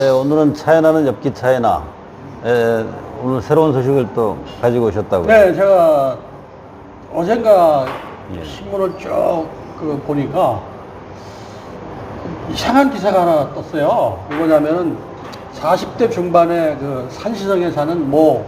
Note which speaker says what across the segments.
Speaker 1: 네, 오늘은 차이나는 엽기 차이나 오늘 새로운 소식을 또 가지고 오셨다고요?
Speaker 2: 네, 제가 어젠가
Speaker 1: 예.
Speaker 2: 신문을 쭉 보니까 이상한 기사가 하나 떴어요. 뭐냐면은 40대 중반의 그 산시성에 사는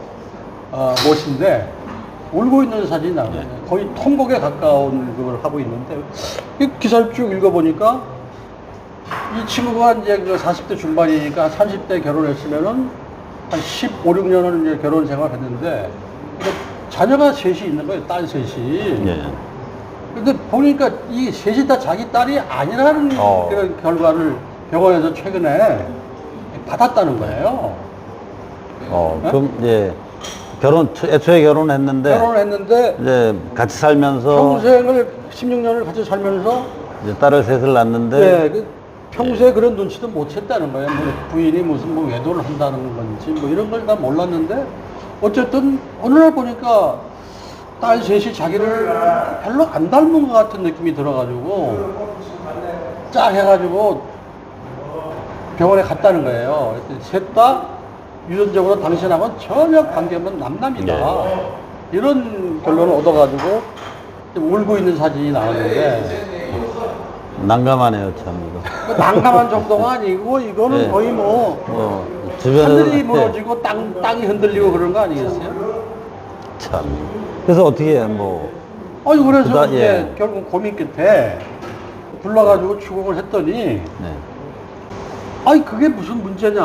Speaker 2: 모씨인데 울고 있는 사진이 나와요.
Speaker 1: 예.
Speaker 2: 거의 통곡에 가까운 그걸 하고 있는데 이 기사를 쭉 읽어보니까 이 친구가 이제 그 40대 중반이니까 30대 결혼했으면은 한 15, 16년을 이제 결혼 생활을 했는데 자녀가 셋이 있는 거예요. 딸 셋이.
Speaker 1: 예.
Speaker 2: 근데 보니까 이 셋이 다 자기 딸이 아니라는 그런 결과를 병원에서 최근에 받았다는 거예요.
Speaker 1: 그럼 이제 애초에
Speaker 2: 결혼을 했는데
Speaker 1: 이제 같이 살면서
Speaker 2: 평생을 16년을 같이 살면서
Speaker 1: 이제 딸을 셋을 낳는데
Speaker 2: 네, 평소에 그런 눈치도 못 챘다는 거예요. 뭐 부인이 무슨 뭐 외도를 한다는 건지 뭐 이런 걸 다 몰랐는데 어쨌든 어느 날 보니까 딸 셋이 자기를 별로 안 닮은 것 같은 느낌이 들어가지고 짝 해가지고 병원에 갔다는 거예요. 셋 다 유전적으로 당신하고는 전혀 관계없는 남남이다. 이런 결론을 얻어가지고 울고 있는 사진이 나왔는데
Speaker 1: 난감하네요, 참 이거.
Speaker 2: 난감한 정도가 아니고 이거는
Speaker 1: 네.
Speaker 2: 거의 뭐
Speaker 1: 주변에서
Speaker 2: 하늘이 무너지고 땅이 흔들리고 그런 거 아니겠어요?
Speaker 1: 참. 그래서 어떻게
Speaker 2: 아니 그래서
Speaker 1: 그다-
Speaker 2: 이제
Speaker 1: 예.
Speaker 2: 결국 고민 끝에 불러가지고 추궁을 했더니
Speaker 1: 네.
Speaker 2: 아니 그게 무슨 문제냐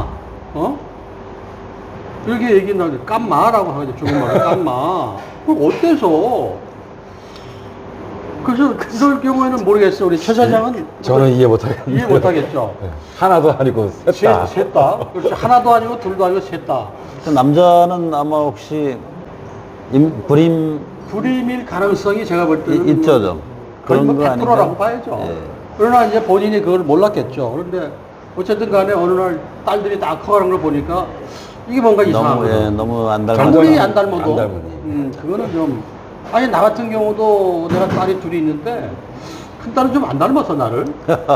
Speaker 2: 이렇게 얘기 나오죠. 깜마라고 하죠. 중국말로 깜마. 그럼 어때서? 그래서 그럴 경우에는 모르겠어요. 우리 최 사장은
Speaker 3: 저는 이해 못하겠는데.
Speaker 2: 이해 못하겠죠.
Speaker 3: 네. 하나도 아니고 셋다.
Speaker 2: 셋 다. 그렇죠. 하나도 아니고 둘도 아니고 셋 다.
Speaker 1: 그 남자는 아마 혹시
Speaker 2: 불임일 가능성이 제가 볼 때는
Speaker 1: 있죠, 좀.
Speaker 2: 거의
Speaker 1: 그런 거
Speaker 2: 100%라고
Speaker 1: 아닌가?
Speaker 2: 봐야죠.
Speaker 1: 예.
Speaker 2: 그러나 이제 본인이 그걸 몰랐겠죠. 그런데 어쨌든 간에 어느 날 딸들이 다 커가는 걸 보니까 이게 뭔가 이상한 거예요.
Speaker 1: 너무 안
Speaker 2: 아무리 안
Speaker 1: 닮았다.
Speaker 2: 닮아도
Speaker 3: 안 닮으니.
Speaker 2: 그거는 좀 아니 나 같은 경우도 내가 딸이 둘이 있는데 큰 딸은 좀 안 닮았어 나를.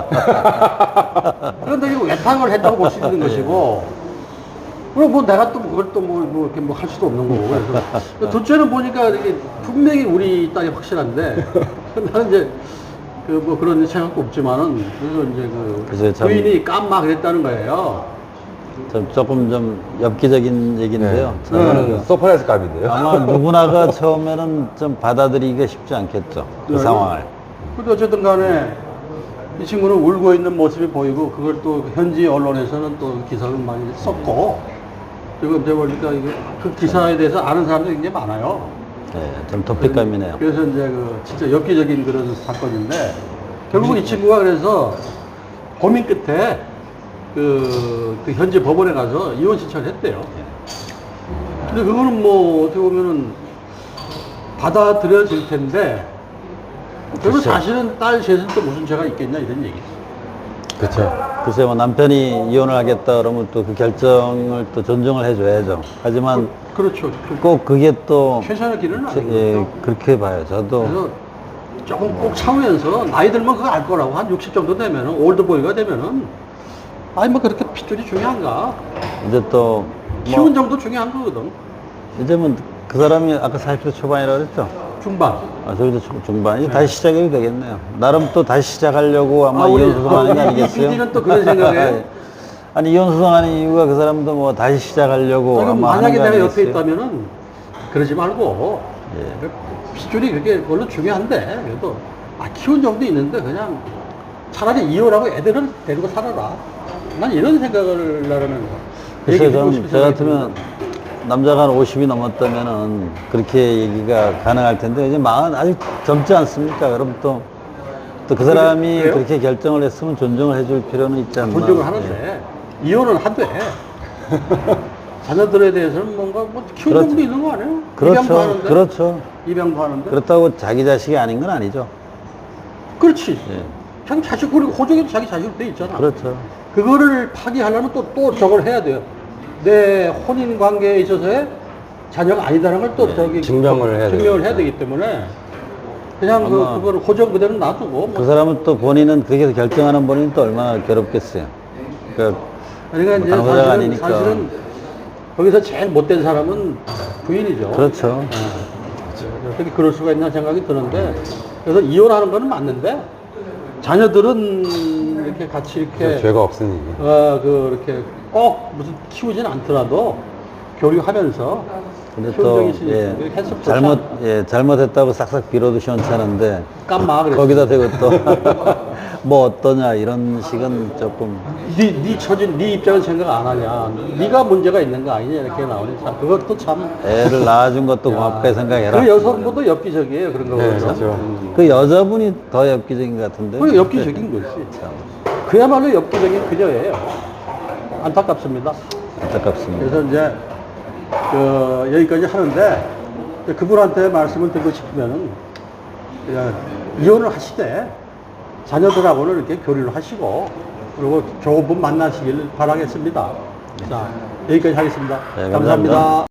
Speaker 2: 그런데 이거 외탕을 했다고 볼 수 있는 것이고 그럼 뭐 내가 또 그걸 또 뭐 이렇게 뭐 할 수도 없는 거고 그래서 둘째는 보니까 이게 분명히 우리 딸이 확실한데 나는 이제 그 뭐 그런 생각도 없지만은 그래서 이제
Speaker 1: 글쎄요, 참-
Speaker 2: 부인이 깜막 그랬다는 거예요.
Speaker 1: 조금 좀 엽기적인 얘기인데요.
Speaker 3: 저는 서프라이즈 값인데요.
Speaker 1: 아마 누구나가 처음에는 좀 받아들이기가 쉽지 않겠죠. 그
Speaker 2: 네.
Speaker 1: 상황을.
Speaker 2: 근데 어쨌든 간에 이 친구는 울고 있는 모습이 보이고 그걸 또 현지 언론에서는 또 기사를 많이 썼고 지금 제가 보니까 이게 그 기사에 대해서 아는 사람들이 굉장히 많아요.
Speaker 1: 네, 좀 독특감이네요.
Speaker 2: 그래서 이제 그 진짜 엽기적인 그런 사건인데 결국 이 친구가 그래서 고민 끝에 그 현지 법원에 가서 이혼 신청을 했대요. 근데 그거는 뭐 어떻게 보면은 받아들여질 텐데 그리고
Speaker 1: 글쎄요.
Speaker 2: 사실은 딸 셋은 또 무슨 죄가 있겠냐 이런 얘기죠.
Speaker 3: 그렇죠.
Speaker 1: 글쎄 뭐 남편이 이혼을 하겠다 그러면 또 그 결정을 또 존중을 해줘야죠. 하지만
Speaker 2: 그렇죠.
Speaker 1: 꼭 그게 또
Speaker 2: 최선의 길은 아니고
Speaker 1: 그렇게 봐요. 저도
Speaker 2: 그래서 조금 꼭 참으면서 나이 들면 그거 알 거라고 한 60 정도 되면은 올드보이가 되면은 아니 뭐 그렇게 핏줄이 중요한가
Speaker 1: 이제 또
Speaker 2: 키운 정도 중요한 거거든.
Speaker 1: 이제 뭐 그 사람이 아까 40대 초반이라고 그랬죠.
Speaker 2: 중반.
Speaker 1: 저기도 중반. 이제 다시 시작해도 되겠네요. 나름 또 다시 시작하려고 아마
Speaker 2: 우리
Speaker 1: 이혼 소송하는 게 아니겠어요?
Speaker 2: PD는 또 그런 생각에
Speaker 1: 아니 이혼 소송하는 이유가 그 사람도 뭐 다시 시작하려고
Speaker 2: 그럼
Speaker 1: 아마
Speaker 2: 만약에
Speaker 1: 하는 거
Speaker 2: 내가 옆에
Speaker 1: 아니겠어요?
Speaker 2: 있다면은 그러지 말고
Speaker 1: 예.
Speaker 2: 핏줄이 그게 물론 중요한데 그래도 키운 정도 있는데 그냥 차라리 이혼하고 애들을 데리고 살아라. 난 이런 생각을 나라는
Speaker 1: 글쎄요, 저 같으면 남자가 한 50이 넘었다면은 그렇게 얘기가 가능할 텐데 이제 아직 젊지 않습니까? 그럼 또 그 사람이
Speaker 2: 그래요?
Speaker 1: 그렇게 결정을 했으면 존중을 해줄 필요는 있지 않나?
Speaker 2: 존중을 하는데 이혼은 하되 자녀들에 대해서는 뭔가 뭐 키운
Speaker 1: 그렇죠.
Speaker 2: 정도 있는 거 아니에요?
Speaker 1: 그렇죠,
Speaker 2: 입양도 하는데
Speaker 1: 그렇죠.
Speaker 2: 입양도 하는데
Speaker 1: 그렇다고 자기 자식이 아닌 건 아니죠.
Speaker 2: 그렇지.
Speaker 1: 예.
Speaker 2: 자기 자식 그리고 호적에도 자기 자식으로 돼 있잖아.
Speaker 1: 그렇죠.
Speaker 2: 그거를 파기하려면 또 저걸 해야 돼요. 내 혼인 관계에 있어서의 자녀가 아니다라는 걸 또 저기
Speaker 3: 증명을 해야
Speaker 2: 증명을 해야
Speaker 3: 되니까.
Speaker 2: 되기 때문에 그냥
Speaker 1: 아마
Speaker 2: 그거를 호적 그대로 놔두고
Speaker 1: 그 사람은 또 본인은 그게 결정하는 본인은 또 얼마나 괴롭겠어요. 그러니까
Speaker 2: 그러니까 이제
Speaker 1: 당사자가
Speaker 2: 사실은,
Speaker 1: 아니니까.
Speaker 2: 사실은 거기서 제일 못된 사람은 부인이죠.
Speaker 1: 그렇죠.
Speaker 2: 어떻게 그럴 수가 있나 생각이 드는데, 그래서 이혼하는 거는 맞는데, 자녀들은 이렇게 같이 이렇게,
Speaker 3: 죄가 없으니.
Speaker 2: 이렇게 꼭 무슨 키우진 않더라도 교류하면서
Speaker 1: 근데
Speaker 2: 키운
Speaker 1: 또,
Speaker 2: 적이 있으니까
Speaker 1: 예,
Speaker 2: 이렇게 했으면 좋지 않나.
Speaker 1: 잘못했다고 싹싹 빌어도 시원찮은데.
Speaker 2: 깜마 그랬어.
Speaker 1: 거기다 대고 또, 뭐 어떠냐, 이런 식은 조금.
Speaker 2: 네 처진, 네 입장을 생각 안 하냐. 네가 문제가 있는 거 아니냐. 이렇게 나오니 참, 그것도 참.
Speaker 1: 애를 낳아준 것도 고맙게 생각해라.
Speaker 2: 그 여성분도 엽기적이에요. 그런 거
Speaker 3: 네,
Speaker 2: 보면.
Speaker 3: 그렇죠.
Speaker 1: 그 여자분이 더 엽기적인 것 같은데.
Speaker 2: 그 엽기적인 거지. 그야말로 엽기적인 그녀예요. 안타깝습니다.
Speaker 1: 안타깝습니다.
Speaker 2: 그래서 이제 여기까지 하는데 그분한테 말씀을 드리고 싶으면은 그냥 이혼을 하시되 자녀들하고는 이렇게 교류를 하시고 그리고 좋은 분 만나시길 바라겠습니다. 자, 여기까지 하겠습니다.
Speaker 1: 네,
Speaker 2: 감사합니다.
Speaker 1: 감사합니다.